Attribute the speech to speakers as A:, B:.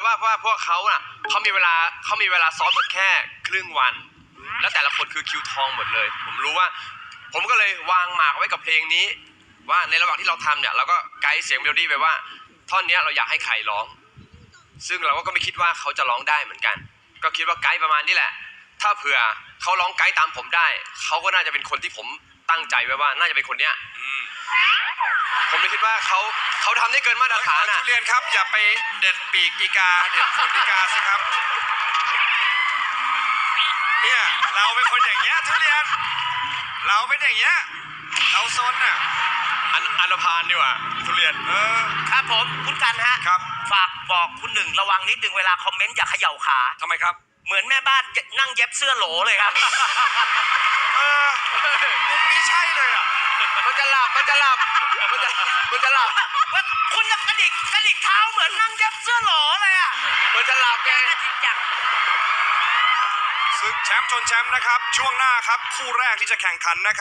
A: ว่าพวกเขาน่ะเขามีเวลาซ้อมกันแค่ครึ่งวันแล้วแต่ละคนคือคิวทองหมดเลยผมรู้ว่าผมก็เลยวางหมากไว้กับเพลงนี้ว่าในระหว่างที่เราทำเนี่ยเราก็ไกด์เสียงเมโลดี้ไปว่าท่อนนี้เราอยากให้ใครร้องซึ่งเราก็ไม่คิดว่าเขาจะร้องได้เหมือนกันก็คิดว่าไกด์ประมาณนี้แหละถ้าเผื่อเขาร้องไกด์ตามผมได้เขาก็น่าจะเป็นคนที่ผมตั้งใจไว้ว่าน่าจะเป็นคนเนี้ยผมเลยคิดว่าเขาทำได้เกินมาตรฐานอ่ะ
B: ทุเรียนครับอย่าไปเด็ดปีกอีกาเด็ดขนอีกาสิครับเนี่ยเราเป็นคนอย่างเงี้ยทุเรียนเราเป็นอย่างเงี้ยเราซนอ่ะ
A: อันธพาลดีกว่าทุเรียน
C: ครับผมคุณกันฮะ
B: ครับ
C: ฝากบอกคุณหนึ่งระวังนิดนึงเวลาคอมเมนต์อย่าเขย่าขา
B: ทำไมครับ
C: เหมือนแม่บ้านนั่งเย็บเสื้อโหลเลยครับ
B: มุมนี้ใช่เลยอ่ะ
A: มันจะหลับคุณจะ
C: กระดิกเท้าเหมือนนั่งเย็บเสื้อโหลเลยอ่ะ
A: มันจะหลับไง
B: ศึกแชมป์ชนแชมป์นะครับช่วงหน้าครับคู่แรกที่จะแข่งขันนะครับ